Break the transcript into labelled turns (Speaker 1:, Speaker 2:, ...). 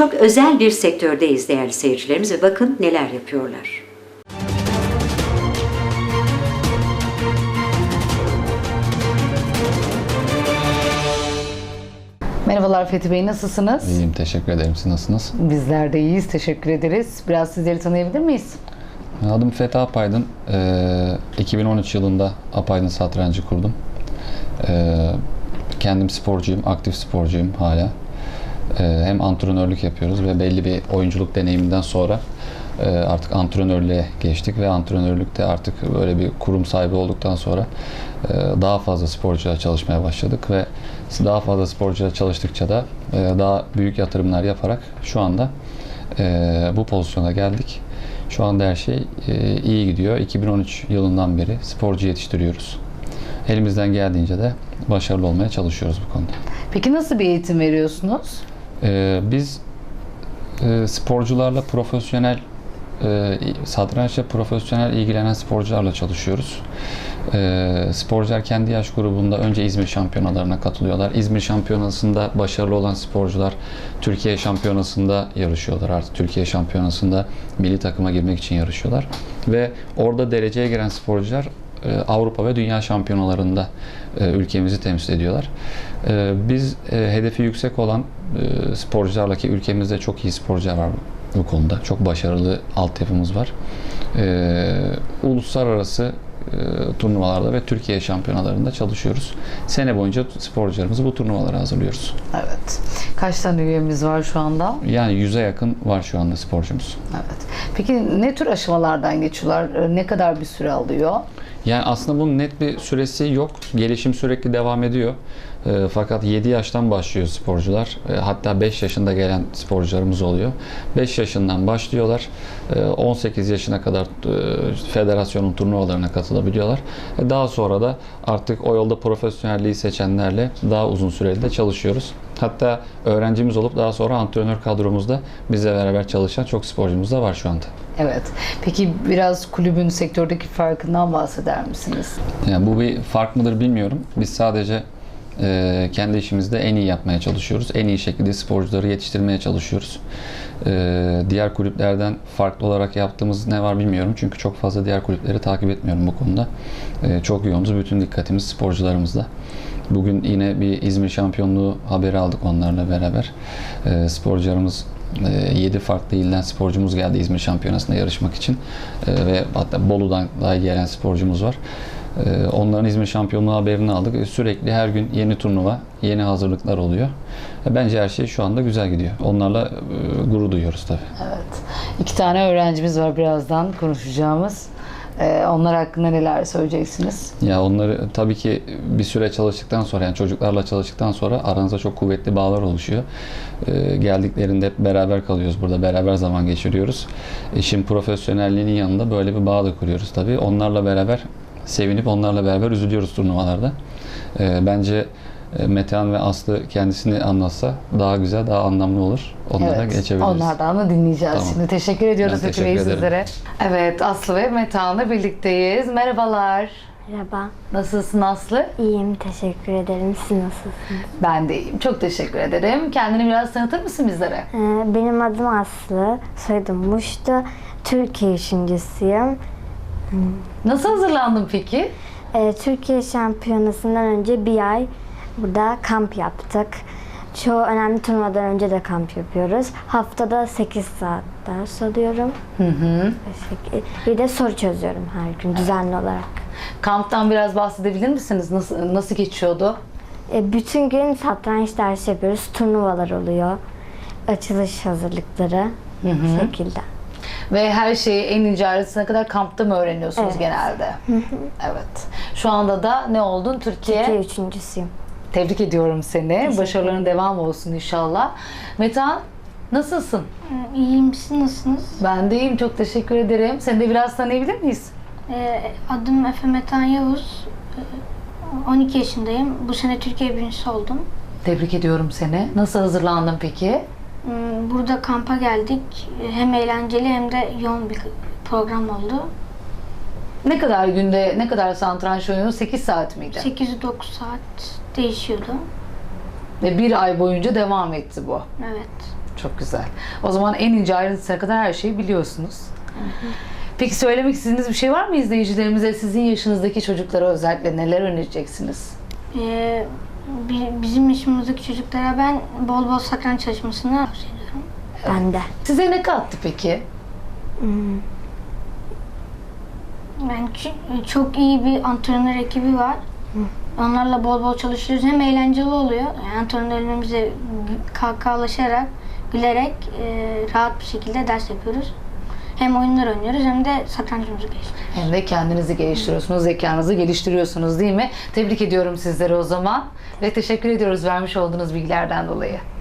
Speaker 1: Çok özel bir sektördeyiz değerli seyircilerimiz ve bakın neler yapıyorlar.
Speaker 2: Merhabalar Fethi Bey, nasılsınız?
Speaker 3: İyiyim, teşekkür ederim. Siz nasılsınız?
Speaker 2: Bizler de iyiyiz, teşekkür ederiz. Biraz sizleri tanıyabilir miyiz?
Speaker 3: Adım Fethi Apaydın. 2013 yılında Apaydın Satrancı kurdum. Kendim sporcuyum, aktif sporcuyum hala. Hem antrenörlük yapıyoruz ve belli bir oyunculuk deneyiminden sonra artık antrenörlüğe geçtik ve antrenörlükte artık böyle bir kurum sahibi olduktan sonra daha fazla sporcuyla çalışmaya başladık ve daha fazla sporcuyla çalıştıkça da daha büyük yatırımlar yaparak şu anda bu pozisyona geldik. Şu anda her şey iyi gidiyor. 2013 yılından beri sporcu yetiştiriyoruz. Elimizden geldiğince de başarılı olmaya çalışıyoruz bu konuda.
Speaker 2: Peki nasıl bir eğitim veriyorsunuz?
Speaker 3: Biz sporcularla satrançla profesyonel ilgilenen sporcularla çalışıyoruz. Sporcular kendi yaş grubunda önce İzmir şampiyonalarına katılıyorlar. İzmir şampiyonasında başarılı olan sporcular Türkiye şampiyonasında yarışıyorlar. Artık Türkiye şampiyonasında milli takıma girmek için yarışıyorlar. Ve orada dereceye giren sporcular Avrupa ve Dünya şampiyonalarında ülkemizi temsil ediyorlar. Biz hedefi yüksek olan sporcularla, ki ülkemizde çok iyi sporcular var bu konuda. Çok başarılı altyapımız var. Uluslararası turnuvalarda ve Türkiye şampiyonalarında çalışıyoruz. Sene boyunca sporcularımızı bu turnuvalara hazırlıyoruz.
Speaker 2: Evet. Kaç tane üyemiz var şu anda?
Speaker 3: Yani 100'e yakın var şu anda sporcumuz.
Speaker 2: Evet. Peki ne tür aşamalardan geçiyorlar? Ne kadar bir süre alıyor?
Speaker 3: Yani aslında bunun net bir süresi yok. Gelişim sürekli devam ediyor. Fakat 7 yaştan başlıyor sporcular. Hatta 5 yaşında gelen sporcularımız oluyor. 5 yaşından başlıyorlar. 18 yaşına kadar federasyonun turnuvalarına katılabiliyorlar. Daha sonra da artık o yolda profesyonelliği seçenlerle daha uzun süreli de çalışıyoruz. Hatta öğrencimiz olup daha sonra antrenör kadromuzda bizle beraber çalışan çok sporcumuz da var şu anda.
Speaker 2: Evet. Peki biraz kulübün sektördeki farkından bahseder misiniz?
Speaker 3: Yani bu bir fark mıdır bilmiyorum. Biz sadece kendi işimizde en iyi yapmaya çalışıyoruz. En iyi şekilde sporcuları yetiştirmeye çalışıyoruz. Diğer kulüplerden farklı olarak yaptığımız ne var bilmiyorum. Çünkü çok fazla diğer kulüpleri takip etmiyorum bu konuda. Çok yoğunuz. Bütün dikkatimiz sporcularımızda. Bugün yine bir İzmir şampiyonluğu haberi aldık onlarla beraber. Sporcularımız 7 farklı ilden sporcumuz geldi İzmir şampiyonasında yarışmak için. Ve hatta Bolu'dan daha gelen sporcumuz var. Onların İzmir şampiyonluğu haberini aldık. Sürekli her gün yeni turnuva, yeni hazırlıklar oluyor. Bence her şey şu anda güzel gidiyor. Onlarla gurur duyuyoruz tabii.
Speaker 2: Evet. 2 tane öğrencimiz var birazdan konuşacağımız. Onlar hakkında neler söyleyeceksiniz?
Speaker 3: Ya onları tabii ki bir süre çalıştıktan sonra, yani çocuklarla çalıştıktan sonra aranızda çok kuvvetli bağlar oluşuyor. Geldiklerinde hep beraber kalıyoruz burada, beraber zaman geçiriyoruz. İşin profesyonelliğinin yanında böyle bir bağ da kuruyoruz tabii. Onlarla beraber sevinip onlarla beraber üzülüyoruz turnuvalarda. Bence Metehan ve Aslı kendisini anlatsa daha güzel, daha anlamlı olur. Onlara geçebiliriz.
Speaker 2: Onlardan da dinleyeceğiz.
Speaker 3: Tamam.
Speaker 2: Şimdi teşekkür ediyoruz
Speaker 3: Ben
Speaker 2: Fethi Bey
Speaker 3: teşekkür ederim.
Speaker 2: sizlere. Evet, Aslı ve Metehan'la birlikteyiz. Merhabalar.
Speaker 4: Merhaba.
Speaker 2: Nasılsın Aslı?
Speaker 4: İyiyim, teşekkür ederim. Siz nasılsınız?
Speaker 2: Ben de iyiyim. Çok teşekkür ederim. Kendini biraz tanıtır mısın bizlere?
Speaker 4: Benim adım Aslı, soyadım Muştu. Türkiye üçüncüsüyüm.
Speaker 2: Nasıl hazırlandın peki?
Speaker 4: Türkiye şampiyonasından önce bir ay burada kamp yaptık. Çoğu önemli turnuvadan önce de kamp yapıyoruz. Haftada 8 saat ders alıyorum. Bir de soru çözüyorum her gün düzenli olarak.
Speaker 2: Kamptan biraz bahsedebilir misiniz? Nasıl geçiyordu?
Speaker 4: Bütün gün satranç dersi yapıyoruz. Turnuvalar oluyor. Açılış hazırlıkları bu şekilde.
Speaker 2: Ve her şeyi en ince ayrıntısına kadar kampta mı öğreniyorsunuz
Speaker 4: Evet.
Speaker 2: genelde? Evet. Şu anda da ne oldun?
Speaker 4: Türkiye üçüncüsüyüm.
Speaker 2: Tebrik ediyorum seni. Başarıların devam olsun inşallah. Metehan, nasılsın?
Speaker 5: İyiyim, siz nasılsınız?
Speaker 2: Ben de iyiyim. Çok teşekkür ederim. Seni de biraz tanıyabilir miyiz?
Speaker 5: Adım Efe Metehan Yavuz. 12 yaşındayım. Bu sene Türkiye birincisi oldum.
Speaker 2: Tebrik ediyorum seni. Nasıl hazırlandın peki?
Speaker 5: Burada kampa geldik. Hem eğlenceli hem de yoğun bir program oldu.
Speaker 2: Ne kadar satranç oynuyorsun? 8 saat miydi?
Speaker 5: 8-9 saat değişiyordu.
Speaker 2: Ve bir ay boyunca devam etti bu.
Speaker 5: Evet.
Speaker 2: Çok güzel. O zaman en ince ayrıntısına kadar her şeyi biliyorsunuz. Peki söylemek istediğiniz bir şey var mı izleyicilerimize? Sizin yaşınızdaki çocuklara özellikle neler önereceksiniz?
Speaker 5: Bizim yaşımızdaki çocuklara ben bol bol satranç çalışmasını tavsiye ediyorum.
Speaker 4: Ben de.
Speaker 2: Size ne kattı peki?
Speaker 5: Yani çok iyi bir antrenör ekibi var. Onlarla bol bol çalışıyoruz. Hem eğlenceli oluyor. Yani antrenörlerimize kahkahalaşarak, gülerek rahat bir şekilde ders yapıyoruz. Hem oyunlar oynuyoruz hem de satrancımızı geliştiriyoruz.
Speaker 2: Hem de kendinizi geliştiriyorsunuz, zekanızı geliştiriyorsunuz değil mi? Tebrik ediyorum sizleri o zaman ve teşekkür ediyoruz vermiş olduğunuz bilgilerden dolayı.